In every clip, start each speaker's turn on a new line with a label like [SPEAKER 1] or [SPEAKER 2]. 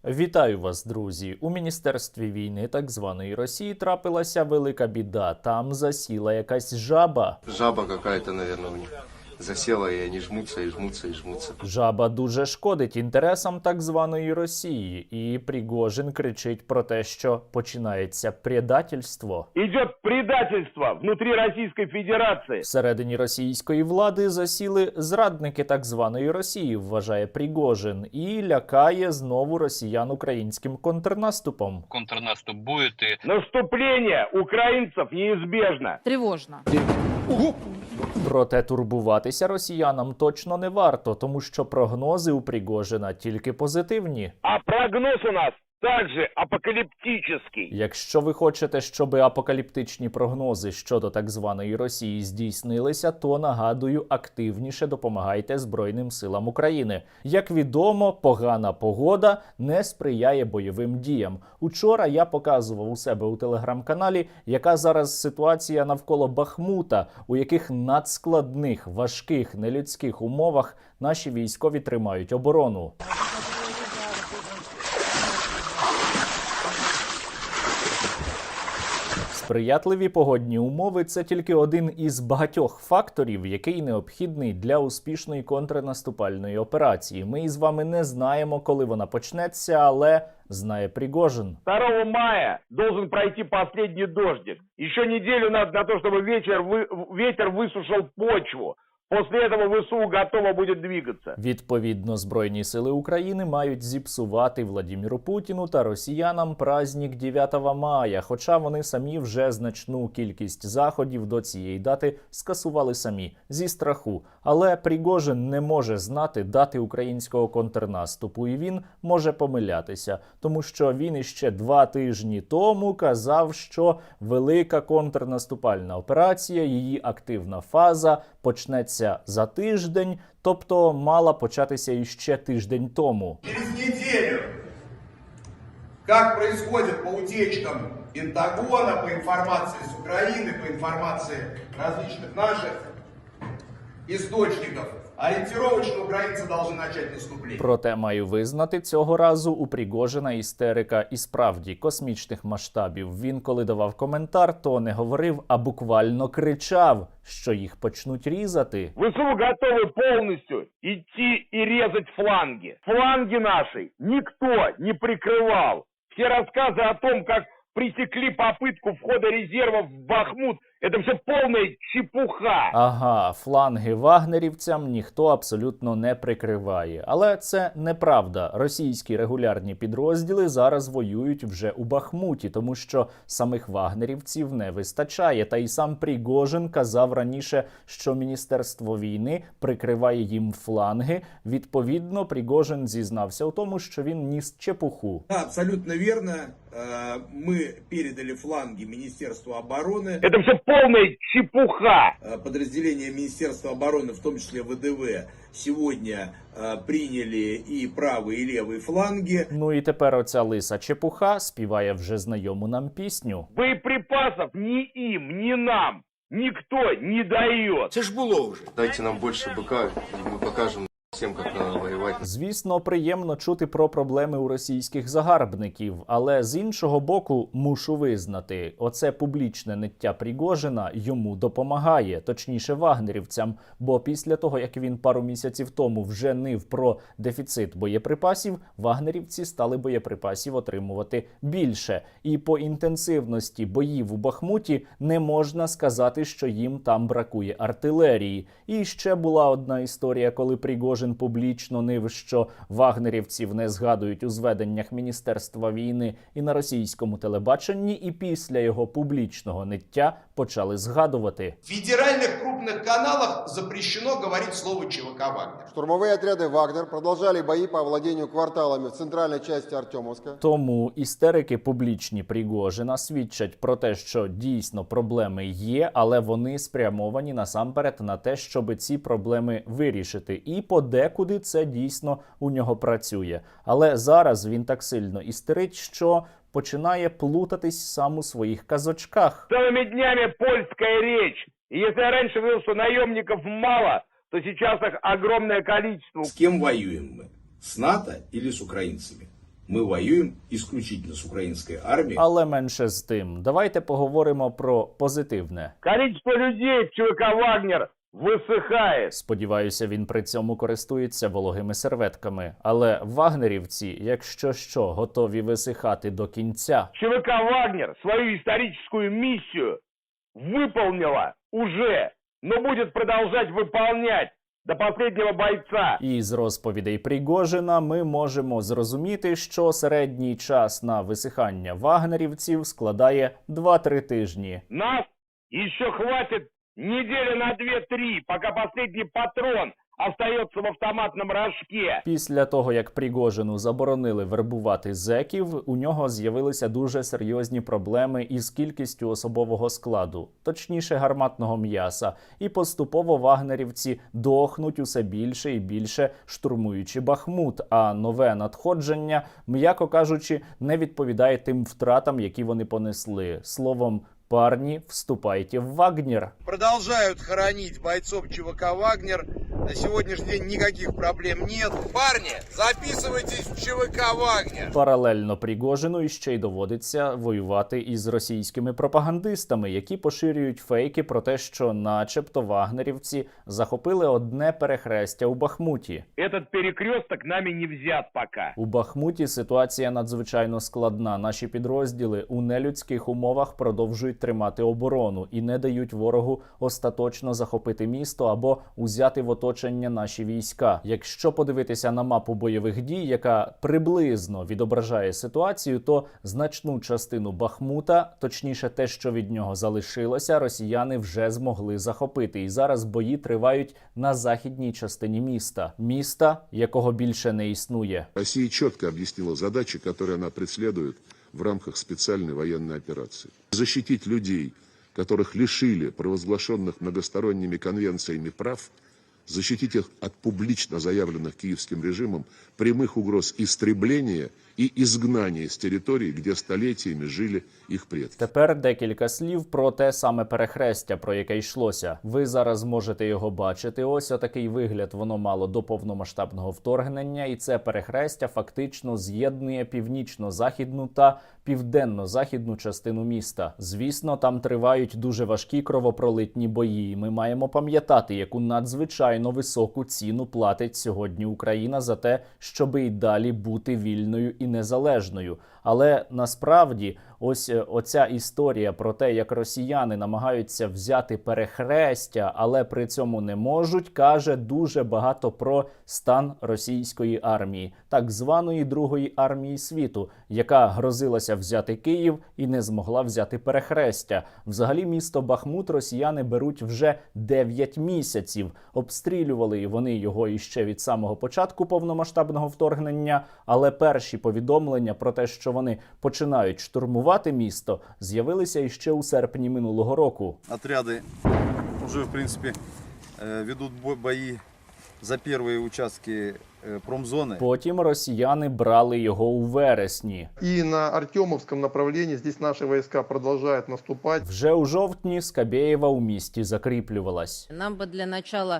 [SPEAKER 1] Вітаю вас, друзі! У Міністерстві війни так званої Росії трапилася велика біда. Там засіла якась жаба.
[SPEAKER 2] Жаба какая-то, наверное, у них засела, и они жмутся, и жмутся, и жмутся.
[SPEAKER 1] Жаба дуже шкодить інтересам так званої Росії. І Пригожин кричить про те, що починається предательство.
[SPEAKER 3] Идет предательство внутри Российской Федерации.
[SPEAKER 1] Всередині російської влади засіли зрадники так званої Росії, вважає Пригожин, і лякає знову росіян українським контрнаступом.
[SPEAKER 4] Контрнаступ будет и
[SPEAKER 3] Наступление украинцев неизбежно.
[SPEAKER 5] Тревожно.
[SPEAKER 1] Проте турбуватися росіянам точно не варто, тому що прогнози у Пригожина тільки позитивні.
[SPEAKER 3] А прогноз у нас также апокалиптический.
[SPEAKER 1] Якщо ви хочете, щоб апокаліптичні прогнози щодо так званої Росії здійснилися, то, нагадую, активніше допомагайте Збройним силам України. Як відомо, погана погода не сприяє бойовим діям. Учора я показував у себе у телеграм-каналі, яка зараз ситуація навколо Бахмута, у яких надскладних, важких, нелюдських умовах наші військові тримають оборону. Сприятливі погодні умови – це тільки один із багатьох факторів, який необхідний для успішної контрнаступальної операції. Ми із вами не знаємо, коли вона почнеться, але знає Пригожин.
[SPEAKER 3] 2 мая должен пройти последний дождик. Еще неделю надо на то, чтобы ветер высушил почву. После этого ВСУ готово будет двигаться.
[SPEAKER 1] Відповідно, Збройні сили України мають зіпсувати Владіміру Путіну та росіянам праздник 9 мая, хоча вони самі вже значну кількість заходів до цієї дати скасували самі, зі страху. Але Пригожин не може знати дати українського контрнаступу, і він може помилятися, тому що він іще 2 тижні тому казав, що велика контрнаступальна операція, її активна фаза почнеться за тиждень, тобто мала початися іще тиждень тому.
[SPEAKER 6] Через неделю, как происходит по утечкам Пентагона, по информации с Украины, по информации различных наших источников, ориентировочно украинцы должны начать наступление.
[SPEAKER 1] Проте маю визнати, цього разу у Пригожина істерика і справді космічних масштабів. Він, коли давав коментар, то не говорив, а буквально кричав, що їх почнуть різати.
[SPEAKER 3] ВСУ готовы полностью идти и резать фланги. Фланги наши никто не прикрывал. Все рассказы о том, как пресекли попытку входа резервов в Бахмут, это все полная чепуха.
[SPEAKER 1] Ага, фланги вагнерівцям ніхто абсолютно не прикриває. Але це неправда. Російські регулярні підрозділи зараз воюють вже у Бахмуті, тому що самих вагнерівців не вистачає. Та й сам Пригожин казав раніше, що Міністерство війни прикриває їм фланги. Відповідно, Пригожин зізнався у тому, що він ніс чепуху.
[SPEAKER 6] Да, абсолютно верно. Мы передали фланги Министерству обороны.
[SPEAKER 3] Это все полная чепуха.
[SPEAKER 6] Подразделения Министерства обороны, в том числе ВДВ, сегодня приняли и правые, и левые фланги.
[SPEAKER 1] Ну і тепер оця лиса чепуха співає вже знайому нам пісню.
[SPEAKER 3] Боеприпасов ни им, ни нам никто не дает.
[SPEAKER 6] Це ж було вже.
[SPEAKER 2] Дайте нам больше быка, и мы покажем всем, как надо воевать.
[SPEAKER 1] Звісно, приємно чути про проблеми у російських загарбників, але з іншого боку мушу визнати, оце публічне ниття Пригожина йому допомагає, точніше вагнерівцям, бо після того, як він пару місяців тому вже нив про дефіцит боєприпасів, вагнерівці стали боєприпасів отримувати більше. І по інтенсивності боїв у Бахмуті не можна сказати, що їм там бракує артилерії. І ще була одна історія, коли Пригожин публічно нив, що вагнерівців не згадують у зведеннях Міністерства війни і на російському телебаченні, і після його публічного ниття почали згадувати.
[SPEAKER 6] В федеральных крупных каналах запрещено говорить слово ЧВК «Вагнер».
[SPEAKER 7] Штурмовые отряды «Вагнер» продолжали бои по овладению кварталами в центральной части Артемовска.
[SPEAKER 1] Тому істерики публічні Пригожина свідчать про те, що дійсно проблеми є, але вони спрямовані насамперед на те, щоб ці проблеми вирішити. І подекуди це дійсно у нього працює. Але зараз він так сильно істерить, що починає плутатись сам у своїх казочках.
[SPEAKER 3] Целыми днями польская речь. И если я раньше говорил, что наемников мало, то сейчас их огромное количество.
[SPEAKER 6] С кем воюем мы? С НАТО или с украинцами?
[SPEAKER 5] Мы воюем исключительно с украинской армией.
[SPEAKER 1] Але менше з тим, давайте поговоримо про позитивне.
[SPEAKER 3] Количество людей в ЧВК «Вагнер» высыхает.
[SPEAKER 1] Сподіваюся, він при цьому користується вологими серветками. Але вагнерівці, якщо що, готові висихати до кінця.
[SPEAKER 3] ЧВК «Вагнер» свою историческую миссию выполнила уже, но будет продолжать выполнять до последнего бойца.
[SPEAKER 1] І з розповідей Пригожина ми можемо зрозуміти, що середній час на висихання вагнерівців складає 2-3 тижні.
[SPEAKER 3] Нас еще хватит недели на 2-3, пока последний патрон остается в автоматном рожке.
[SPEAKER 1] Після того, як Пригожину заборонили вербувати зеків, у нього з'явилися дуже серйозні проблеми із кількістю особового складу, точніше гарматного м'яса, і поступово вагнерівці дохнуть усе більше і більше, штурмуючи Бахмут, а нове надходження, м'яко кажучи, не відповідає тим втратам, які вони понесли. Словом, парни, вступайте в Вагнер.
[SPEAKER 6] Продолжают хоронить бойцов ЧВК «Вагнер». На сегодняшний день никаких проблем нет. Парни, записывайтесь в ЧВК «Вагнер».
[SPEAKER 1] Паралельно Пригожину іще й доводиться воювати із російськими пропагандистами, які поширюють фейки про те, що начебто вагнерівці захопили одне перехрестя у Бахмуті.
[SPEAKER 3] Этот перекресток нами не взят пока.
[SPEAKER 1] У Бахмуті ситуація надзвичайно складна. Наші підрозділи у нелюдських умовах продовжують тримати оборону і не дають ворогу остаточно захопити місто або узяти в оточення наші війська. Якщо подивитися на мапу бойових дій, яка приблизно відображає ситуацію, то значну частину Бахмута, точніше те, що від нього залишилося, росіяни вже змогли захопити. І зараз бої тривають на західній частині міста. Міста, якого більше не існує.
[SPEAKER 8] Россия четко объяснила задачи, которые она преследует в рамках специальной военной операции. Защитить людей, которых лишили провозглашенных многосторонними конвенциями прав, защитить их от публично заявленных киевским режимом прямых угроз истребления и изгнания с территорий, где столетиями жили їх предки.
[SPEAKER 1] Тепер декілька слів про те саме перехрестя, про яке йшлося. Ви зараз можете його бачити. Ось отакий вигляд воно мало до повномасштабного вторгнення, і це перехрестя фактично з'єднує північно-західну та південно-західну частину міста. Звісно, там тривають дуже важкі кровопролитні бої. Ми маємо пам'ятати, яку надзвичайно високу ціну платить сьогодні Україна за те, щоби й далі бути вільною і незалежною. Але насправді ось оця історія про те, як росіяни намагаються взяти перехрестя, але при цьому не можуть, каже дуже багато про стан російської армії, так званої Другої армії світу, яка грозилася взяти Київ і не змогла взяти перехрестя. Взагалі місто Бахмут росіяни беруть вже 9 місяців. Обстрілювали вони його іще від самого початку повномасштабного вторгнення, але перші повідомлення про те, що вони починають штурмувати місто, з'явилися іще у серпні минулого року.
[SPEAKER 9] Отряды уже, в принципе, ведут бои за первые участки промзоны.
[SPEAKER 1] Потім росіяни брали його у вересні.
[SPEAKER 10] И на Артемовском направлении здесь наши войска продолжают наступать.
[SPEAKER 1] Вже у жовтні Скабєєва у місті закріплювалась.
[SPEAKER 11] Нам бы для начала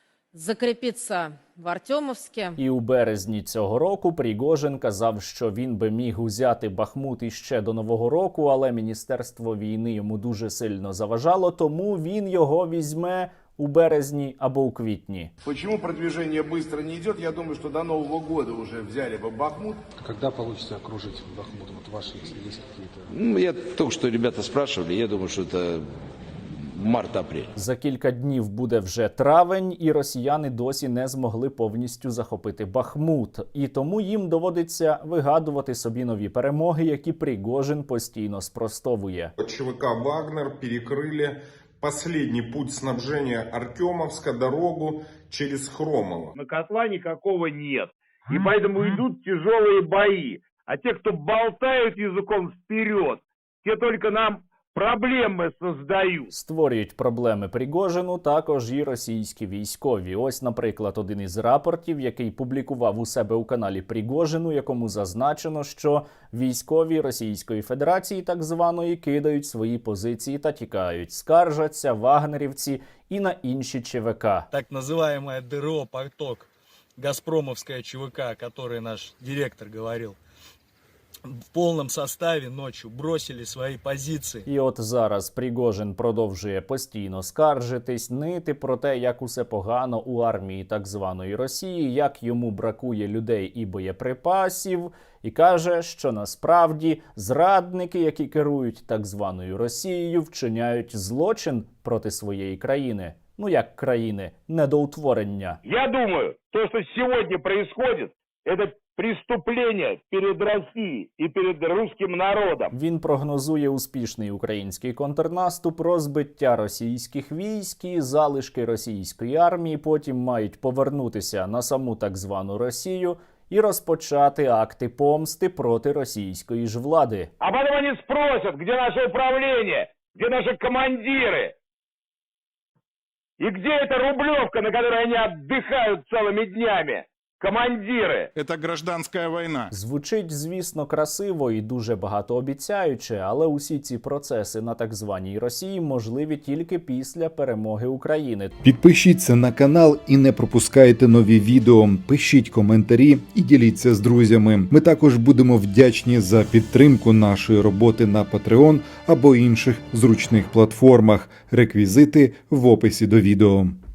[SPEAKER 11] закрепиться в Артемовске.
[SPEAKER 1] І у березні цього року Пригожин казав, що він би міг узяти Бахмут іще до Нового року, але Міністерство війни йому дуже сильно заважало, тому він його візьме у березні або у квітні.
[SPEAKER 6] Почему продвижение быстро не идет? Я думаю, что до Нового года уже взяли бы Бахмут.
[SPEAKER 12] Когда получится окружить Бахмут? Вот ваши, если есть какие-то...
[SPEAKER 5] Я только что ребята спрашивали, я думаю, что это март-апрель.
[SPEAKER 1] За кілька днів буде вже травень, і росіяни досі не змогли повністю захопити Бахмут. І тому їм доводиться вигадувати собі нові перемоги, які Пригожин постійно спростовує.
[SPEAKER 8] ЧВК «Вагнер» перекрыли последний путь снабжения Артемовска, дорогу через Хромово.
[SPEAKER 3] На котла никакого нет. И поэтому идут тяжелые бои. А те, кто болтают языком вперед, те только нам проблеми создають.
[SPEAKER 1] Створюють проблеми Пригожину також і російські військові. Ось, наприклад, один із рапортів, який публікував у себе у каналі Пригожину, якому зазначено, що військові Російської Федерації, так званої, кидають свої позиції та тікають. Скаржаться вагнерівці і на інші ЧВК.
[SPEAKER 12] Так называемое ДРО «Поток», Газпромовская ЧВК, о которой наш директор говорил, в полном составе ночью бросили свои позиции.
[SPEAKER 1] І от зараз Пригожин продовжує постійно скаржитись, нити про те, як усе погано у армії так званої Росії, як йому бракує людей і боєприпасів, і каже, що насправді зрадники, які керують так званою Росією, вчиняють злочин проти своєї країни. Ну як країни, недоутворення.
[SPEAKER 3] Я думаю, то, что сегодня происходит, это преступление перед Россией и перед русским народом.
[SPEAKER 1] Він прогнозує успішний український контрнаступ, розбиття російських військ і залишки російської армії потім мають повернутися на саму так звану Росію і розпочати акти помсти проти російської ж влади.
[SPEAKER 3] А потом они спросят, где наше управление, где наши командиры, и где эта Рублевка, на которой они отдыхают целыми днями. Командири!
[SPEAKER 6] Это гражданская война.
[SPEAKER 1] Звучить, звісно, красиво і дуже багатообіцяюче, але усі ці процеси на так званій Росії можливі тільки після перемоги України.
[SPEAKER 13] Підпишіться на канал і не пропускайте нові відео. Пишіть коментарі і діліться з друзями. Ми також будемо вдячні за підтримку нашої роботи на Patreon або інших зручних платформах. Реквізити в описі до відео.